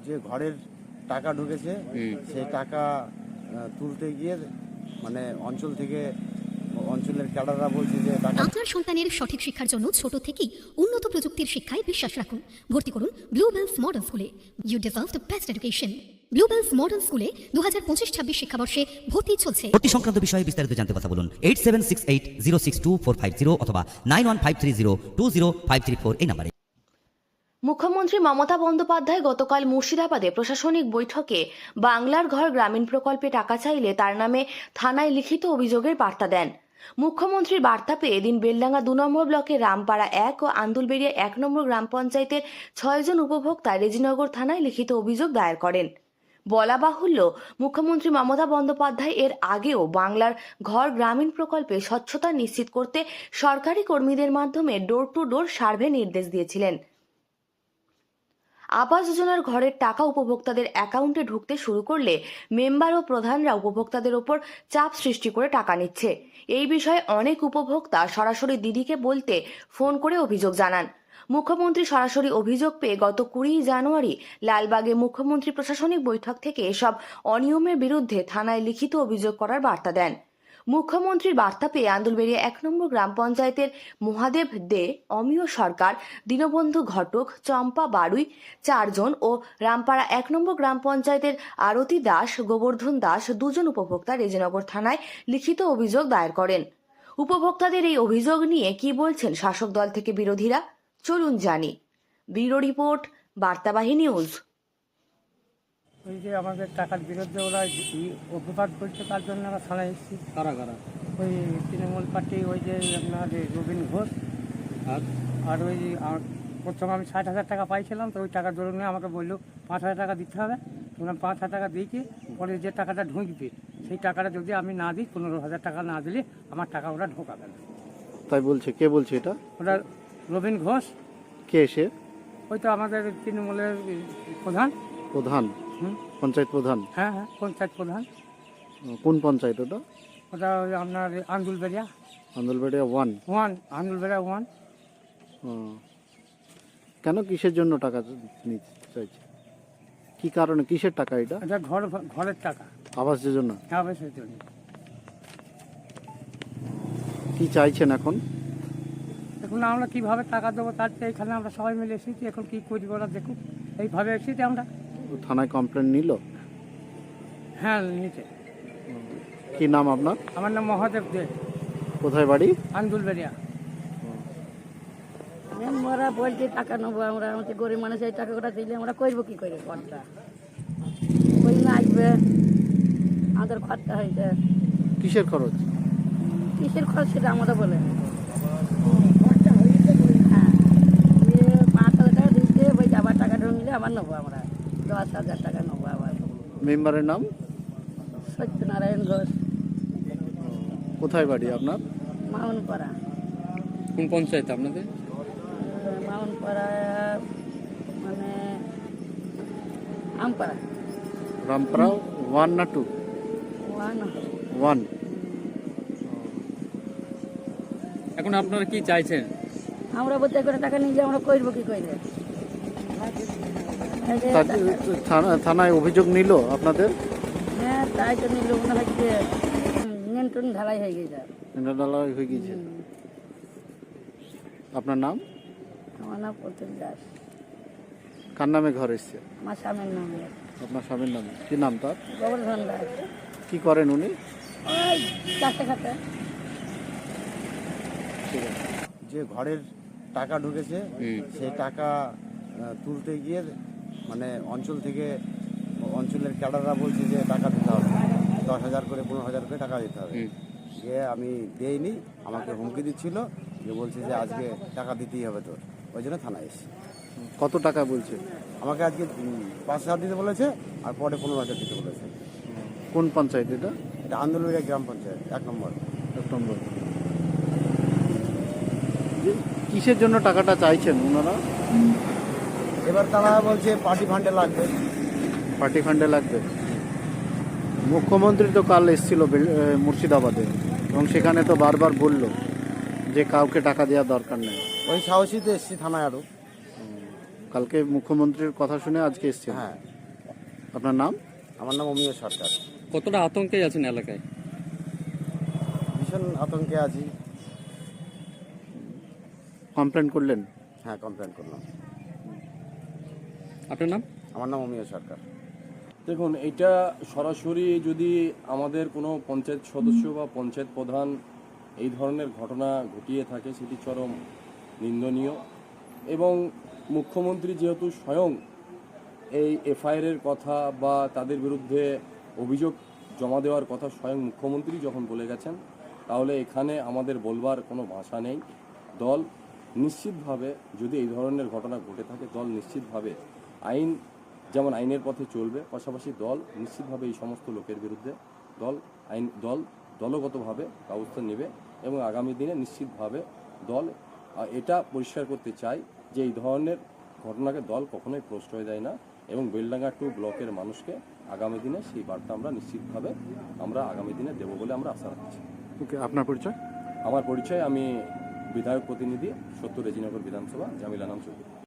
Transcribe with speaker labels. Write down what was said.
Speaker 1: যে ঘরের টাকা ঢুকেছে সেই টাকা তুলতে গিয়ে মানে অঞ্চলের ক্যাডাররা বলছে যে টাকা।
Speaker 2: আপনার সন্তানের সঠিক শিক্ষার জন্য ছোট থেকেই উন্নত প্রযুক্তির শিক্ষায় বিশ্বাস রাখুন। ভর্তি করুন ব্লুবেলস মডার্ন স্কুলে। You deserve the best education. Bluebells modern স্কুলে 2025-26 শিক্ষাবর্ষে ভর্তি চলছে।
Speaker 3: ভর্তি সংক্রান্ত বিষয়ে বিস্তারিত জানতে কথা বলুন 8768062450 অথবা 9153020534 এই নম্বরে।
Speaker 4: মুখ্যমন্ত্রী মমতা বন্দ্যোপাধ্যায় গতকাল মুর্শিদাবাদে প্রশাসনিক বৈঠকে বাংলার ঘর গ্রামীণ প্রকল্পে টাকা চাইলে তার নামে থানায় লিখিত অভিযোগের বার্তা দেন। মুখ্যমন্ত্রীর বার্তা পেয়ে এদিন বেলডাঙ্গা 2 নম্বর ব্লকের রামপাড়া 1 ও আন্দুলবেড়িয়া 1 নম্বর গ্রাম পঞ্চায়েতের 6 জন উপভোক্তা রেজিনগর থানায় লিখিত অভিযোগ দায়ের করেন। বলা বাহুল্য, মুখ্যমন্ত্রী মমতা বন্দ্যোপাধ্যায় এর আগেও বাংলার ঘর গ্রামীণ প্রকল্পে স্বচ্ছতা নিশ্চিত করতে সরকারি কর্মীদের মাধ্যমে ডোর টু ডোর সার্ভে নির্দেশ দিয়েছিলেন। আবাস যোজনার ঘরের টাকা উপভোক্তাদের অ্যাকাউন্টে ঢুকতে শুরু করলে মেম্বার ও প্রধানরা উপভোক্তাদের ওপর চাপ সৃষ্টি করে টাকা নিচ্ছে। এই বিষয়ে অনেক উপভোক্তা সরাসরি দিদিকে বলতে ফোন করে অভিযোগ জানান। মুখ্যমন্ত্রী সরাসরি অভিযোগ পেয়ে গত 20 জানুয়ারি লালবাগে মুখ্যমন্ত্রী প্রশাসনিক বৈঠক থেকে এসব অনিয়মের বিরুদ্ধে থানায় লিখিত অভিযোগ করার বার্তা দেন। মুখ্যমন্ত্রীর বার্তা পেয়ে আন্দুলবেড়িয়া 1 নম্বর গ্রাম পঞ্চায়েতের মহাদেব দে, অমিয় সরকার, দীনবন্ধু ঘটক, চম্পা বাড়ুই 4 জন ও রামপাড়া 1 নম্বর গ্রাম পঞ্চায়েতের আরতি দাস, গোবর্ধন দাস 2 জন উপভোক্তা রেজিনগর থানায় লিখিত অভিযোগ দায়ের করেন। উপভোক্তাদের এই অভিযোগ নিয়ে কি বলছেন শাসক দল থেকে বিরোধীরা, চলুন জানি। Bureau report, Bartabahi news.
Speaker 5: ওই যে আমাদের টাকার বিরুদ্ধে ওরা অপবাদ করছে, তার জন্য আমরা থানায় এসেছি।
Speaker 6: কারা কারা?
Speaker 5: ওই তৃণমূল পার্টি, ওই যে আপনার রবীন ঘোষ, আর ওই প্রথম আমি 60,000 টাকা পাইছিলাম, তো ওই টাকার দরুন আমাকে বললো 5,000 টাকা দিতে হবে। তোমরা 5,000 টাকা দিয়েছি, পরে যে টাকাটা ঢুকবে সেই টাকাটা যদি আমি না দিই, 15,000 টাকা না দিলে আমার টাকা ওরা ঢোকাবে না।
Speaker 6: তাই বলছে? কে বলছে এটা?
Speaker 5: ওরা রবীন ঘোষ।
Speaker 6: কে সে?
Speaker 5: ওই তো আমাদের তৃণমূলের প্রধান।
Speaker 6: প্রধান? পঞ্চায়েত প্রধান?
Speaker 5: হ্যাঁ, পঞ্চায়েত প্রধান।
Speaker 6: কোন পঞ্চায়েত ওটা?
Speaker 5: ওটা ওই আপনার আন্দুলবেড়িয়া
Speaker 6: আন্দুলবেড়িয়া 1।
Speaker 5: আন্দুলবেড়িয়া 1।
Speaker 6: কেন, কিসের জন্য টাকা নিতে চাইছে? কি কারণে, কিসের টাকা এটা?
Speaker 5: এটা ঘরের টাকা,
Speaker 6: আবাস যোজনা।
Speaker 5: আবাসের জন্য।
Speaker 6: কি চাইছেন এখন?
Speaker 5: এখন আমরা কিভাবে টাকা দেবো, তার চেয়ে এখানে আমরা সবাই মিলে এসেছি। এখন কি করি ওরা দেখুক, এইভাবে এসেছি আমরা।
Speaker 6: থানায় কমপ্লেন নিল?
Speaker 5: হ্যাঁ, নিচে।
Speaker 6: কি নাম আপনার?
Speaker 5: আমার নাম মহাদেব দে।
Speaker 6: কোথায় বাড়ি?
Speaker 5: আন্দুলবেড়িয়া।
Speaker 7: ওরা বলছে টাকা নেবো, আমরা আমাদের গরিব মানুষ, এই টাকাটা দিলে আমরা করবো কি করে ঘরটা? ওই না আসবে, আমাদের খরচা হয়েছে।
Speaker 6: কিসের খরচ?
Speaker 7: কিসের খরচ সেটা আমরা বলে হ্যাঁ, 5,000 টাকা দিচ্ছে, ওই আবার টাকা ঢুকলে আবার নেবো আমরা 10,000 টাকা নেবো আবার।
Speaker 6: মেম্বারের নাম?
Speaker 7: সত্যনারায়ণ ঘোষ।
Speaker 6: কোথায় বাড়ি আপনার?
Speaker 7: মাউনপাড়া।
Speaker 6: কোন পঞ্চায়েত আপনাদের?
Speaker 7: মাউনপাড়া মানে আমপাড়া।
Speaker 6: রামপাড়া 1 না 2? 1।
Speaker 8: এখন আপনারা কি চাইছেন?
Speaker 7: আমরা বলতে করে টাকা নিয়ে আমরা করবো কি করে?
Speaker 6: থানায় অভিযোগ নিল আপনাদের?
Speaker 7: হ্যাঁ, তাই তো নিল, মনে হচ্ছে নিয়ন্ত্রণ ঢালাই হয়ে গেছে।
Speaker 6: ঢালাই হয়ে গেছে। আপনার নাম?
Speaker 7: আমার নাম প্রতীক দাস।
Speaker 6: কার নামে ঘর এসছে?
Speaker 7: আমার স্বামীর নাম।
Speaker 6: আপনার স্বামীর নামে? কি নাম তার?
Speaker 7: গোবর্ধন দাস।
Speaker 6: কি করেন উনি?
Speaker 7: ওই চারটে খাতে।
Speaker 6: ঠিক আছে।
Speaker 1: যে ঘরের টাকা ঢুকেছে সেই টাকা তুলতে গিয়ে মানে অঞ্চলের ক্যাডাররা বলছে যে টাকা দিতে হবে, 10,000 করে 15,000 করে টাকা দিতে হবে। সে আমি দেইনি, আমাকে হুমকি দিচ্ছিল, যে বলছে যে আজকে টাকা দিতেই হবে তোর, ওই জন্য থানায় এসেছি।
Speaker 6: কত টাকা বলছে?
Speaker 1: আমাকে আজকে 5,000 দিতে বলেছে, আর পরে 15,000 দিতে বলেছে।
Speaker 6: কোন পঞ্চায়েত এটা?
Speaker 1: এটা আন্দোলনের গ্রাম পঞ্চায়েত 1 নম্বর।
Speaker 6: 1 নম্বর। কিসের জন্য টাকাটা চাইছেন ওনারা?
Speaker 1: এবার তারা বলছে পার্টি ফান্ডে লাগবে।
Speaker 6: পার্টি ফান্ডে লাগবে। মুখ্যমন্ত্রী তো কাল এসেছিল মুর্শিদাবাদে, এবং সেখানে তো বারবার বলল যে কাউকে টাকা দেওয়ার দরকার নেই।
Speaker 1: ওই সাহসীতে এসেছি থানায় আরও।
Speaker 6: কালকে মুখ্যমন্ত্রীর কথা শুনে আজকে এসেছি।
Speaker 1: হ্যাঁ।
Speaker 6: আপনার নাম?
Speaker 1: আমার নাম অমিয় সরকার।
Speaker 8: কতটা আতঙ্কে আছেন এলাকায়?
Speaker 1: ভীষণ আতঙ্কে আছি।
Speaker 6: কমপ্লেন করলেন?
Speaker 1: হ্যাঁ, কমপ্লেন করলাম।
Speaker 8: আপনার নাম?
Speaker 1: আমার নাম অমিয় সরকার।
Speaker 9: দেখুন, এটা সরাসরি যদি আমাদের কোনো পঞ্চায়েত সদস্য বা পঞ্চায়েত প্রধান এই ধরনের ঘটনা ঘটিয়ে থাকে সেটি চরম নিন্দনীয়। এবং মুখ্যমন্ত্রী যেহেতু স্বয়ং এই এফআইআরের কথা বা তাদের বিরুদ্ধে অভিযোগ জমা দেওয়ার কথা স্বয়ং মুখ্যমন্ত্রী যখন বলে গেছেন, তাহলে এখানে আমাদের বলবার কোনো ভাষা নেই। দল নিশ্চিতভাবে, যদি এই ধরনের ঘটনা ঘটে থাকে, দল নিশ্চিতভাবে আইন যেমন আইনের পথে চলবে, পাশাপাশি দল নিশ্চিতভাবে এই সমস্ত লোকের বিরুদ্ধে দলগতভাবে ব্যবস্থা নেবে। এবং আগামী দিনে নিশ্চিতভাবে দল এটা পরিষ্কার করতে চায় যে এই ধরনের ঘটনাকে দল কখনোই প্রশ্রয় দেয় না। এবং বেলডাঙ্গা 2 ব্লকের মানুষকে আগামী দিনে সেই বার্তা আমরা নিশ্চিতভাবে আগামী দিনে দেবো বলে আমরা আশা রাখছি।
Speaker 6: ওকে, আপনার পরিচয়?
Speaker 9: আমার পরিচয়, আমি বিধায়ক প্রতিনিধি 70 রেজিনগর বিধানসভা, জামিল আনাম চৌধুরী।